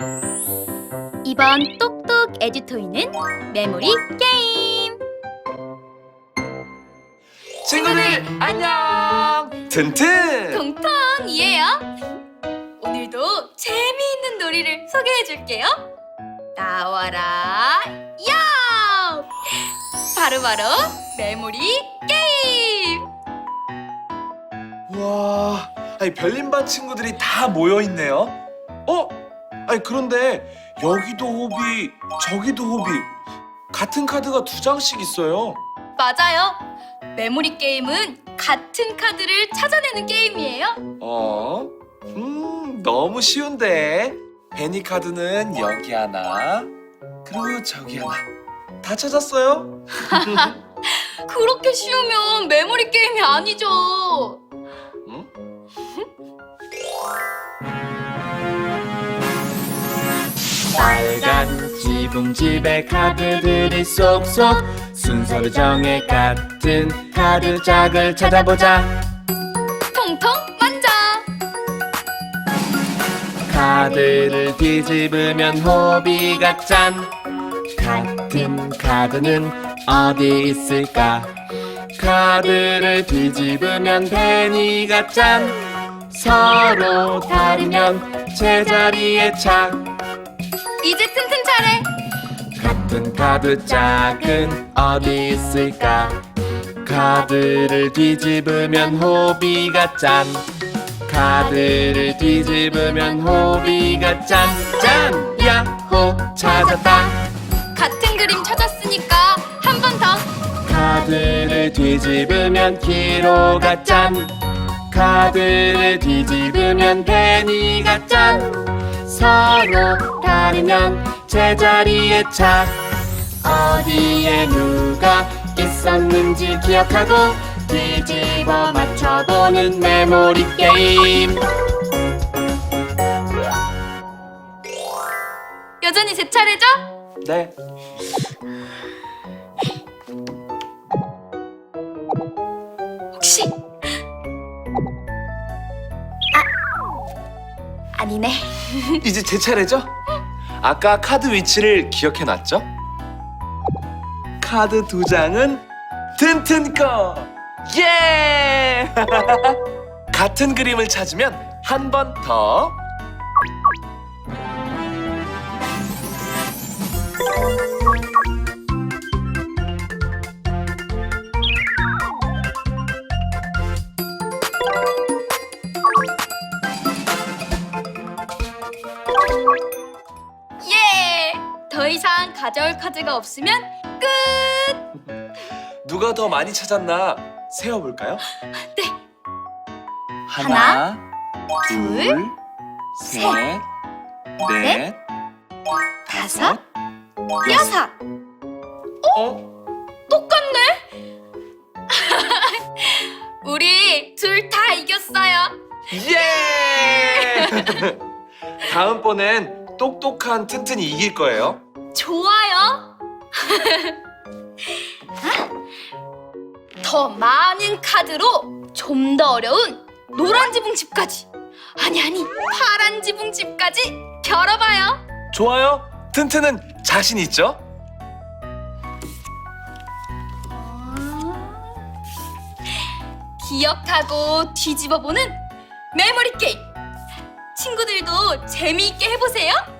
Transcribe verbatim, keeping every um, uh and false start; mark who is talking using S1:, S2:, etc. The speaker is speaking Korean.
S1: 이번 똑똑 에듀토이는 메모리 게임!
S2: 친구들 안녕! 튼튼!
S1: 통통이에요. 오늘도 재미있는 놀이를 소개해줄게요. 나와라 야! 바로바로 메모리 게임!
S2: 와, 아니 별림반 친구들이 다 모여 있네요. 어? 아니 그런데 여기도 호비, 저기도 호비. 같은 카드가 두 장씩 있어요.
S1: 맞아요. 메모리 게임은 같은 카드를 찾아내는 게임이에요.
S2: 어? 음, 너무 쉬운데. 베니 카드는 여기 하나, 그리고 저기 하나. 다 찾았어요?
S1: 그렇게 쉬우면 메모리 게임이 아니죠.
S2: 응?
S3: 빨간 지붕집에 카드들이 쏙쏙 순서를 정해 같은 카드 짝을 찾아보자.
S1: 통통 만져.
S3: 카드를 뒤집으면 호비가 짠. 같은 카드는 어디 있을까? 카드를 뒤집으면 베니가 짠. 서로 다르면 제자리에 착.
S1: 이제 튼튼 차례.
S3: 같은 카드 짝은 어디 있을까? 카드를 뒤집으면 호비가 짠. 카드를 뒤집으면 호비가 짠. 짠! 야호! 찾았다.
S1: 같은 그림 찾았으니까 한 번 더.
S3: 카드를 뒤집으면 키로가 짠. 카드를 뒤집으면 베니가 짠. 서로 다르면 제자리에 착. 어디에 누가 있었는지 기억하고 뒤집어 맞춰보는 메모리 게임.
S1: 여전히 제 차례죠?
S2: 네.
S1: 혹시 아 아니네.
S2: 이제 제 차례죠? 아까 카드 위치를 기억해놨죠? 카드 두 장은 튼튼 거! 예! 같은 그림을 찾으면 한 번 더.
S1: 예! 더 이상 가져올 카드가 없으면 끝!
S2: 누가 더 많이 찾았나 세어볼까요?
S1: 네.
S2: 하나,
S1: 둘,
S2: 셋, 넷,
S1: 다섯, 여섯.
S2: 어?
S1: 똑같네? 우리 둘 다 이겼어요.
S2: 예! 다음번엔 똑똑한 튼튼이 이길 거예요.
S1: 좋아요. 더 많은 카드로 좀 더 어려운 노란 지붕집까지, 아니 아니 파란 지붕집까지 겨뤄봐요.
S2: 좋아요. 튼튼은 자신 있죠?
S1: 기억하고 뒤집어보는 메모리 게임. 친구들도 재미있게 해보세요.